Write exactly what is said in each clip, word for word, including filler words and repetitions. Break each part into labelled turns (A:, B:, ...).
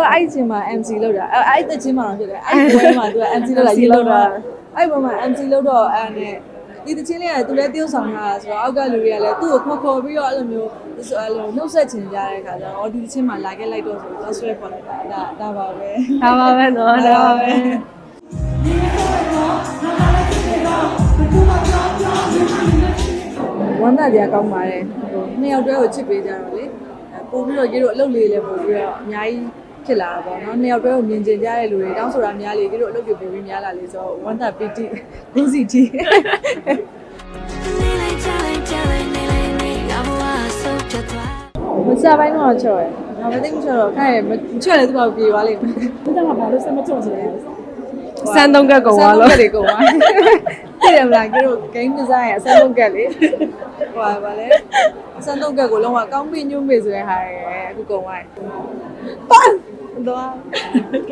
A: အဲ့ချင်းမှာ M C လောက်တာအဲ့အဲ့ချင်းမှာတော့ဖြစ်တယ်အဲ့ဘွဲမှာသူက M C လောက်လာရေးလောက်တာအဲ့ဘွဲမှာ M C လောက်တော့အဲ့နဲ့ဒီတချင်းလေးကသူလည်းတယောက်ဆောင်တာဆိုတော့အောက်ကလူတွေကလည်းသူ့ကိုခေါ်ခေါ်ပြီးတော့အဲ့လိုမျိုးအဲ့လိုနှုတ်ဆက်ချင်ကြတဲ့ခါကျတော့အော်ဒီတချင်းမှာလာခဲ့လိုက်တော့ဆိုတော့ဆွဲပေါ်လိုက်တာဒါဒါပါပဲ
B: ဒါပါပဲနော်ဒါပါပဲ
A: ဝမ်းသာကြကောင်းပါတယ်ဟိုနှစ်ယောက်တည်းကိုချစ်ပေးကြတော့လေပို့ပြီးတော့ရေတို့အလုပ်လေးလည်းပို့ပြီးတော့အများကြီးဖြစ်လာတာပေါ့နော်နှစ်ယောက်တည်းကိုမြင်ကျင်ကြတဲ့လူတွေတောင်းဆိုတာများလေရေတို့အလုပ်တွေပို့ပြီးများလာလေဆိုတော့ဝမ်းသာပီတိဘူးစီတီမစားပိုင်းတော့ချော်ရယ်။ငါမသိမချော်တော့ခိုင်းရမချော်လေသူကပြေသွားလိမ့်မယ်။ဒီကမှာဘာလို့စမချော်ချင်လဲ
B: စမ်းသုံးကက်ကုန်သွားလို့
A: စမ်းသုံးကက်တွေကုန်သွား။သိတယ်မလားကျတို့ game design ရစမ်းသုံးကက်လေ။ဟိုပါလေစမ်းသုံးကက်ကိုလုံးဝကောင်းပြီညွှန်းပြီဆိုတဲ့ဟာရယ်အခုကုန်သွားတယ်။ပန်းတော့โอเค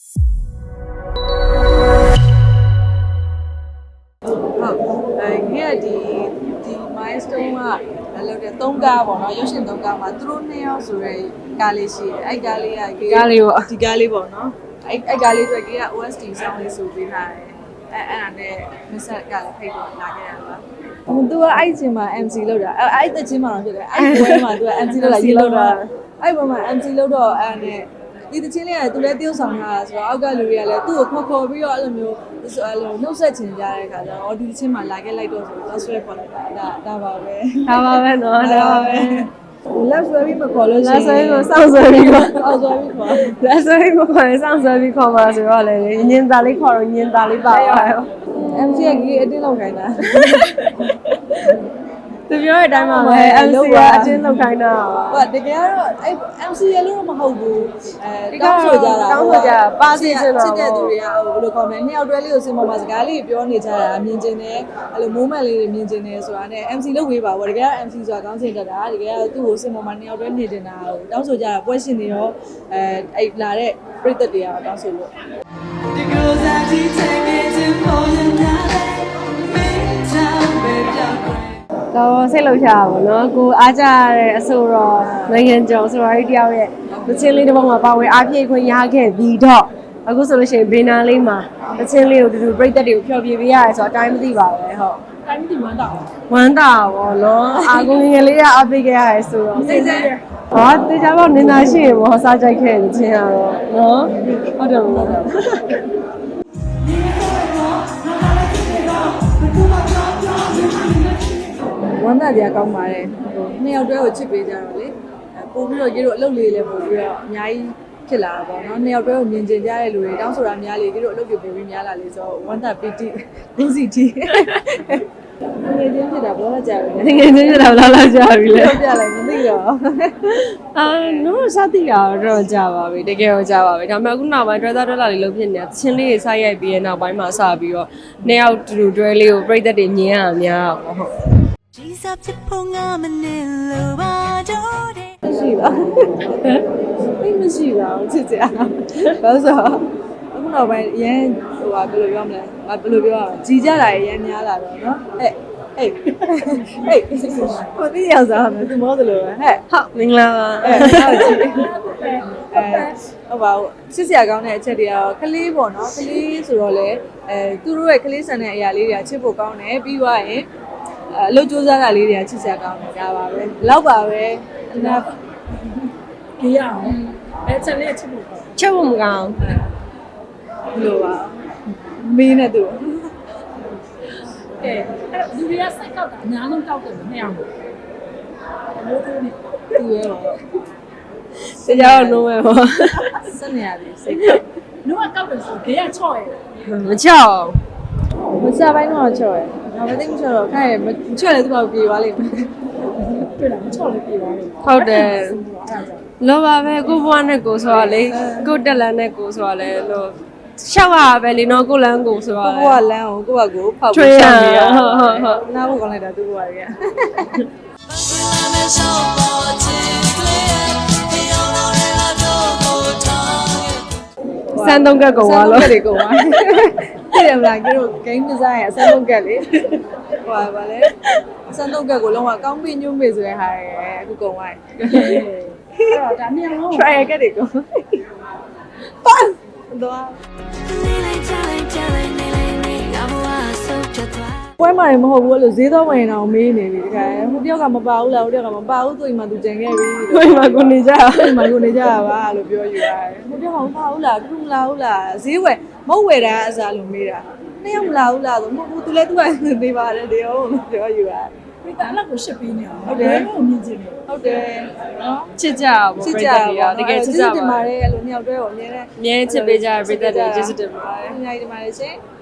A: ဟုတ်အဲဒီဒီ milestone ကလောက်တဲ့သုံးကားပေါ့နော်ရုပ်ရှင်သုံးကားမှာသူတို့နှစ်ယောက်ဆိုရဲကားလေးရှိတယ်အဲ့ကားလေးက
B: ကားလေးပေါ့
A: ဒီကားလေးပေါ့နော်အဲ့အဲ့ကားလေးတွေက O S T ဆောင်းလေးဆိုပေးထားတယ်အဲ့အဲ့ဒါနဲ့မဆက်ကလည်းဖိတ်တော့လာခဲ့ရတာဟိုသူကအဲ့ချင်းမှာ M C လောက်တာအဲ့အဲ့တချင်းမှာတော့ဖြစ်တယ်အဲ့ဘွဲမှာသူက M C လောက်လာရေးလောက်တာအဲ့ဘွဲမှာ M C လောက်တော့အဲ့နဲ့ဒီတချင်းလေးကသူလည်းတယောက်ဆောင်တာဆိုတော့အောက်ကလူတွေကလည်းသူ့ကိုခေါ်ခေါ်ပြီးတော့အဲ့လိုမျိုးအဲ့လိုနှုတ်ဆက်ချင်ကြတဲ့ခါကျတော့အော်ဒီတချင်းမှာလာခဲ့လိုက်တော့ဆိုတော့ဆွဲပေါ်လိုက်တာဒါဒါပါပဲ
B: ဒါပါပဲနော်ဒါပါပဲ
A: လက်ဆွဲပြီးမခေါ်လို့ရှိ
B: ရင်လက်ဆွဲကိုစောင့်ဆွဲပြီးခေါ်
A: အောက်ဆွဲပြီးခေါ်
B: လက်ဆွဲကိုခေါ်ရင်စောင့်ဆွဲပြီးခေါ်မှာဆိုတော့လေညင်သားလေးခေါ်တော့ညင်သားလေးပါပါရော
A: M C ကကြီးအတင်းလောက်ခိုင်းတာ
B: သူပြောတဲ့အတိုင်းပါပဲ M C ကအတင်းလောက်ခိုင်းတာ
A: ဟုတ်တကယ်ကတော့အဲ့ M C ရလို့မဟုတ်ဘူးအဲတောင်းဆိုကြတာ
B: တောင်းဆိုကြပါစီစင်တော့
A: စစ်တဲ့သူတွေကဟိုဘယ်လိုကောမန့်နှစ်ယောက်တွဲလေးကိုစင်ပေါ်မှာစကားလေးပြောနေကြတာမြင်ကျင်တယ်အဲ့လို moment လေးတွေမြင်ကျင်တယ်ဆိုတာနဲ့ M C လုပ်ဝေးပါဘောတကယ်က M C ဆိုတာကောင်းစင်တတ်တာတကယ်ကသူ့ကိုစင်ပေါ်မှာနှစ်ယောက်တွဲနေတင်တာဟိုတောင်းဆိုကြတာပွဲရှင်တွေရောအဲအဲ့လာတဲ့ပရိသတ်တွေကတောင်းဆိုလို့
B: တော့စိတ်လှုပ်ရှားပါဘောနော်ကိုအားကြရတဲ့အဆိုတော့နိုင်ငံကျော်ဆိုတော့ဒီတယောက်ရဲ့သချင်းလေးတစ်ပုဒ်မှာပါဝင်အားဖြည့်ခွင့်ရခဲ့ပြီးတော့အခုဆိုလို့ရှိရင်ဘေနာလေးမှာသချင်းလေးကိုတူတူပြိတ္တတွေကိုဖျော်ဖြေပေးရတယ်ဆိုတော့အတိုင်းမသိပါဘူးဟုတ်
A: အတိုင်းမသိဝမ်းတာ
B: ဝမ်းတာဘောနော်အာကိုငယ်လေးကအားပေးခဲ့ရတယ်ဆိုတော့စိတ်စိတ်ဟောတေချာတော့နင်သာရှိရင်ဘောစားကြိုက်ခဲ့တဲ့ချင်းရတော့နော်ဟုတ်တယ်ဟုတ်တယ်
A: ဝမ်းသာကြကောင်းပါတယ်ဟိုနှစ်ယောက်တည်းကိုချစ်ပေးကြတော့လေပို့ပြီးတော့ရေတို့အလုပ်လေးလည်းပို့ပြီးတော့အများကြီးဖြစ်လာတာပေါ့နော်နှစ်ယောက်တည်းကိုမြင်ကျင်ကြတဲ့လူတွေတောင်းဆိုတာများလေရေတို့အလုပ်တွေပို့ပြီးများလာလေဆိုတော့ဝမ်းသာပီတိဘူးစီတီငယ်ချင်းဖြစ်တာဘောလာကြပြီ
B: ငယ်ချင်းဖြစ်တာဘောလာကြပြီလေ
A: ပြလိုက်မသိတော့
B: အာနော်စသည်ကတော့ကြပါပြီတကယ်တော့ကြပါပြီဒါပေမဲ့အခုနောက်ပိုင်း driver ဒေါ်လာလေးလုံးဖြစ်နေတာချင်းလေးတွေစိုက်ရိုက်ပြီးရဲ့နောက်ပိုင်းမှာစပြီးတော့နှစ်ယောက်တူတူတွဲလေးကိုပြိတ္တတွေညင်းရမှာများပေါ့ဟုတ်
A: ဒီစပ်ချဖို့ငါမနေလို့ပါတော့တယ်မရှိပါဘူးမရှိပါဘူးချစ်ကြဘာလို့ဆိုအခုနောက်ပိုင်းရန်ဟိုဟာဘယ်လိုပြောမလဲငါဘယ်လိုပြောရမလဲကြီးကြတာရန်များလာတော့နော်ဟဲ့ဟေးဟေးကိုတိရောက်စားမယ်သူမောသလိုပဲဟဲ့
B: ဟုတ်မင်္ဂလာပါ
A: အဲဟုတ်ကြည့်အဲဟုတ်ပါဘူးစစ်စရာကောင်းတဲ့အချက်တွေကတော့ကလေးပေါ့နော်ကလေးဆိုတော့လေအဲသူတို့ရဲ့ကလေးဆန်တဲ့အရာလေးတွေကချစ်ဖို့ကောင်းတယ်ပြီးသွားရင်အလုပ်ကြိုးစားတာလေးတွေကချစ်စရာကောင်းတယ်ဒါပါပဲလောက်ပါပဲနားကြည့်ရအောင်အဲချက်လေးချစ်ဖို့ကောင်း
B: ချက်ဖို့မကောင်း
A: ဘယ်လိုပါမင်းနဲ့သူ
C: အဲအဲ့လူတွေကစိုက်ကောက်တာအများဆုံးကောက်တယ်နှစ်အောင်လို့လို့သူနေ
A: သူရဲ့ပါ
B: စေကြောက်လုံးပဲပေါ့
A: စနေရပြီစိတ်ကောက်
C: လူကကောက်တယ်ဆိုခေရချော့ရ
B: မချော့
A: မစားပိုင်းတော့ချော့ရငါမသိမချော့တော့ခိုင်းရမချော့လေသူကပြေသွားလိမ့်မယ်
C: တွေ့လားမချော့လေပြေသွားလိမ့်
B: ဟုတ်တယ်လောပါပဲကိုဘွားနဲ့ကိုဆိုတော့လေကိုတက်လန်နဲ့ကိုဆိုတော့လေလို့ရှောက်ရပဲလေနော်ကိုလန်းကိုဆိုတော့
A: ကိုကလန်းကိုကိုကကိုဖောက်ပြီးရှောက်နေရဟုတ်ဟုတ်ဟုတ်နားဖို့ကောင်းလိုက်တာသူကရ
B: စမ်းသုံးကက်ကုန်သွားလို့
A: စမ်းသုံးကက်တွေကုန်သွားသိတယ်မလားကျတို့ game design ရအစမ်းသုံးကက်လေဟိုပါလေအစမ်းသုံးကက်ကိုလုံးဝကောင်းပြီညွှန်းပြီဆိုတဲ့ဟာရယ်အခုကုန်သွားတယ်
C: အဲ့တော့ဒါမြန်လုံး
A: try ကက်တွေကုန်ပတ်တော့ပွဲမှာမဟုတ်ဘူးလို့ဈေးတော့ဝင်အောင်မေးနေပြီတခါဟိုတယောက်ကမပါဘူးလားဟိုတယောက်ကမပါဘူးသူ့အိမ်မှာသူကြံခဲ့ပြီ
B: ကိုယ်မှာကိုနေကြ
A: အိမ်မှာကိုနေကြတာပါလို့ပြောယူရတယ်ဟိုတယောက်ကမပါဘူးလားသူမလာဘူးလားဈေးဝယ်မဟုတ်ဝယ်တာအစားလို့မေးတာနှစ်ယောက်မလာဘူးလားဆိုမဟုတ်ဘူးသူလည်းသူကနေပါတယ်တေဟုတ်လို့ပြောယူရတယ်
C: ဒီတအဲ့ကိုရှစ်ပေးနေအောင်ဟုတ်တယ်ဘယ်လိုမြင်ချင်လဲ
A: ဟုတ်တယ်နော်
B: ချစ်ကြပါဘော
A: ချစ်
B: ပြ
A: ကြ
B: ည့်
A: ပါ
B: တဲ့တွေကတကယ်ချစ်ကြ
A: တင်
B: ပါ
A: ပါတယ်အဲ့လိုနှစ်ယောက်တည်းကိုအမြဲတမ်း
B: အမြဲချစ်ပေးကြတဲ့ပြည့်တဲ့တွေကျေးဇူးတင်ပါတယ်
A: အများကြီးတင်ပါတယ်ရှင်